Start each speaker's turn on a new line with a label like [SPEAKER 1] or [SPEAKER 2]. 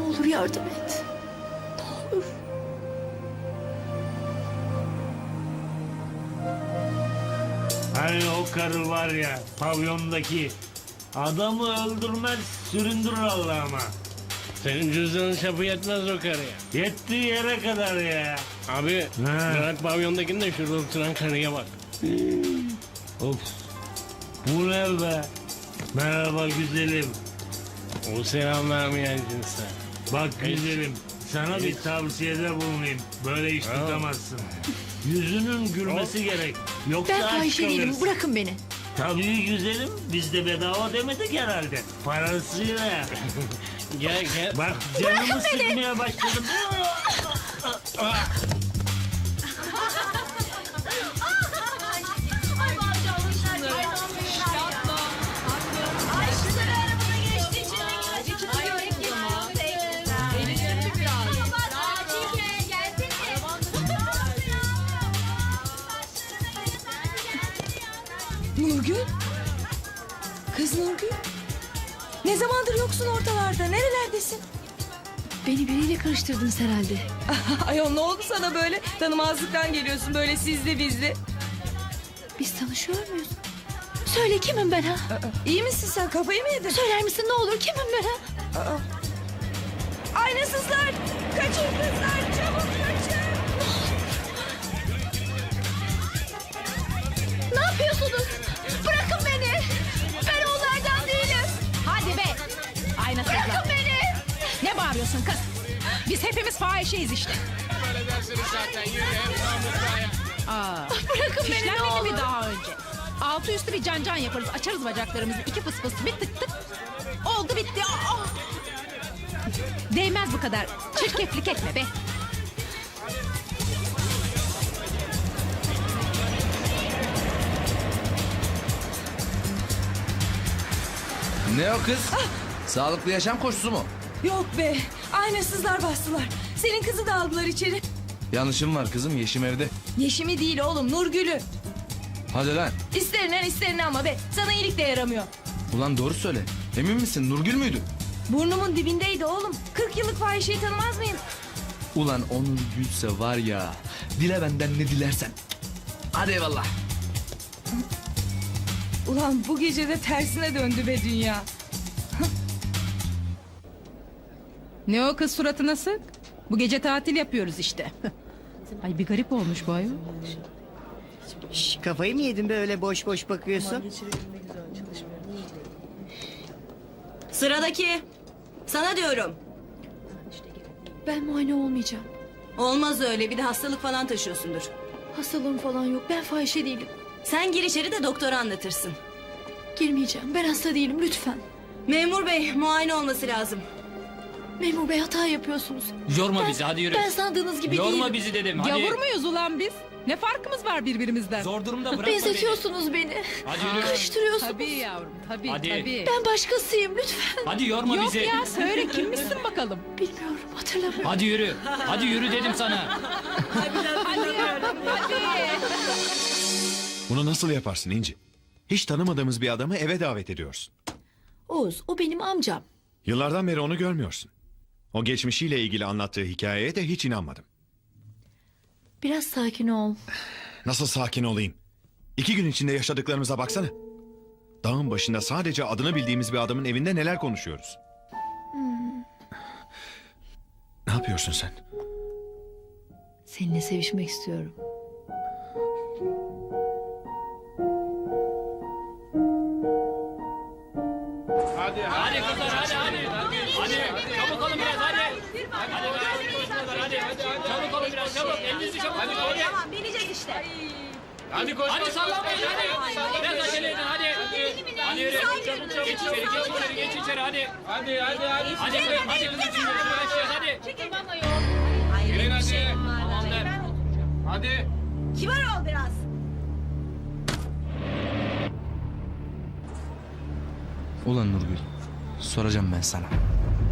[SPEAKER 1] olur yardım et. Ne olur.
[SPEAKER 2] Hani o karı var ya pavyondaki adamı öldürmez süründürür Allah'ıma.
[SPEAKER 3] Senin cüzdanın çapı yetmez o karıya.
[SPEAKER 2] Yettiği yere kadar ya.
[SPEAKER 3] Abi
[SPEAKER 2] Ha.
[SPEAKER 3] bırak pavyondakini de şurada oturan karıya bak.
[SPEAKER 2] Of. Bu ne be? Merhaba güzelim.
[SPEAKER 3] O selam vermeyen cinsten.
[SPEAKER 2] Bak güzelim. Sana bir tavsiyede bulunayım. Böyle iş tutamazsın. Yüzünün gülmesi gerek. Yoksa
[SPEAKER 1] Ben
[SPEAKER 2] aç
[SPEAKER 1] fahişe değilim.
[SPEAKER 2] kalırsın.
[SPEAKER 1] Bırakın beni.
[SPEAKER 2] Tabii güzelim. Biz de bedava demedik herhalde. Parasıyla.
[SPEAKER 3] Gel gel.
[SPEAKER 2] Bak canımı sıkmaya başladım.
[SPEAKER 4] Nurgül? Kız Nurgül? Ne zamandır yoksun ortalarda? Nerelerdesin?
[SPEAKER 1] Beni biriyle karıştırdınız herhalde.
[SPEAKER 4] Ayol ne oldu sana böyle? Tanımazlıktan geliyorsun böyle sizli bizli.
[SPEAKER 1] Biz tanışıyor muyuz? Söyle kimim ben ha?
[SPEAKER 4] İyi misin sen? Kafayı mı yedin?
[SPEAKER 1] Söyler misin ne olur kimim ben ha?
[SPEAKER 4] Aynasızlar! Kaçın kızlar! Çabuk kaçın!
[SPEAKER 1] Ne yapıyorsunuz? Bırakın beni. Ben onlardan değilim.
[SPEAKER 5] Hadi be! Aynasızlar.
[SPEAKER 1] Bırakın beni.
[SPEAKER 5] Ne bağırıyorsun kız? Biz hepimiz fahişeyiz işte.
[SPEAKER 1] Bırakın beni ne
[SPEAKER 5] Fişlenmedi
[SPEAKER 1] olur.
[SPEAKER 5] mi daha önce? Altı üstü bir can yaparız. Açarız bacaklarımızı. İki fıs fıs bir tık tık. Oldu bitti. Aa! Değmez bu kadar. Çirkeflik etme be.
[SPEAKER 6] Ne o kız? Sağlıklı yaşam koşusu mu?
[SPEAKER 4] Yok be! Aynasızlar bastılar. Senin kızı da aldılar içeri.
[SPEAKER 6] Yanlışım var kızım, Yeşim evde.
[SPEAKER 4] Yeşimi değil oğlum, Nurgül'ü.
[SPEAKER 6] Hadi lan.
[SPEAKER 4] İsterine ama be. Sana iyilik de yaramıyor.
[SPEAKER 6] Ulan doğru söyle. Emin misin, Nurgül müydü?
[SPEAKER 4] Burnumun dibindeydi oğlum. 40 yıllık fahişeyi tanımaz mıyım?
[SPEAKER 6] Ulan o Nurgülse var ya, dile benden ne dilersen. Hadi eyvallah.
[SPEAKER 4] Ulan bu gece de tersine döndü be dünya.
[SPEAKER 5] Ne o kız suratına sık? Bu gece tatil yapıyoruz işte. Ay bir garip olmuş bu ayol.
[SPEAKER 7] Şş, kafayı mı yedin be öyle boş boş bakıyorsun?
[SPEAKER 8] Sıradaki. Sana diyorum.
[SPEAKER 1] Ben muayene olmayacağım.
[SPEAKER 8] Olmaz öyle, bir de hastalık falan taşıyorsundur.
[SPEAKER 1] Hastalığım falan yok. Ben fahişe değilim.
[SPEAKER 8] Sen gir içeri de doktora anlatırsın.
[SPEAKER 1] Girmeyeceğim. Ben hasta değilim lütfen.
[SPEAKER 8] Memur bey, muayene olması lazım.
[SPEAKER 1] Memur bey hata yapıyorsunuz.
[SPEAKER 9] Yorma bizi, hadi yürü.
[SPEAKER 1] Ben sandığınız gibi
[SPEAKER 9] Yorma
[SPEAKER 1] değilim.
[SPEAKER 9] bizi dedim, hadi.
[SPEAKER 5] Gavur muyuz ulan biz? Ne farkımız var birbirimizden?
[SPEAKER 9] Zor durumda bırakma beni.
[SPEAKER 1] Benzetiyorsunuz beni.
[SPEAKER 9] Hadi yürü.
[SPEAKER 1] Karıştırıyorsunuz.
[SPEAKER 5] Tabii yavrum tabii
[SPEAKER 9] Hadi.
[SPEAKER 5] tabii.
[SPEAKER 1] Ben başkasıyım lütfen.
[SPEAKER 9] Hadi yorma
[SPEAKER 5] Yok
[SPEAKER 9] bizi.
[SPEAKER 5] ya söyle kimmişsin bakalım.
[SPEAKER 1] Bilmiyorum hatırlamıyorum.
[SPEAKER 9] Hadi yürü. Hadi yürü dedim sana.
[SPEAKER 5] Hadi yavrum hadi.
[SPEAKER 10] Bunu nasıl yaparsın İnci? Hiç tanımadığımız bir adamı eve davet ediyorsun.
[SPEAKER 1] Oğuz o benim amcam.
[SPEAKER 10] Yıllardan beri onu görmüyorsun. O geçmişiyle ilgili anlattığı hikayeye de hiç inanmadım.
[SPEAKER 1] Biraz sakin ol.
[SPEAKER 10] Nasıl sakin olayım? 2 gün içinde yaşadıklarımıza baksana. Dağın başında sadece adını bildiğimiz bir adamın evinde neler konuşuyoruz. Ne yapıyorsun sen?
[SPEAKER 1] Seninle sevişmek istiyorum.
[SPEAKER 9] Hadi kızlar, hadi. Hadi, çabuk olun biraz, hadi. Hadi, çabuk olun biraz, çabuk. Elinizi çabuk tutun, hadi.
[SPEAKER 8] Tamam, bineceğiz işte.
[SPEAKER 9] Hadi koş. Hadi sallanmayın, hadi. Biraz acele edin, hadi. Hadi yürü. Geç içeri, geç içeri, hadi. Hadi. Hadi kızım, şimdi başlayacağız, hadi. Yürüyün hadi. Tamamdır. Hadi.
[SPEAKER 8] Kibar ol biraz.
[SPEAKER 6] Ulan Nurgül, soracağım ben sana.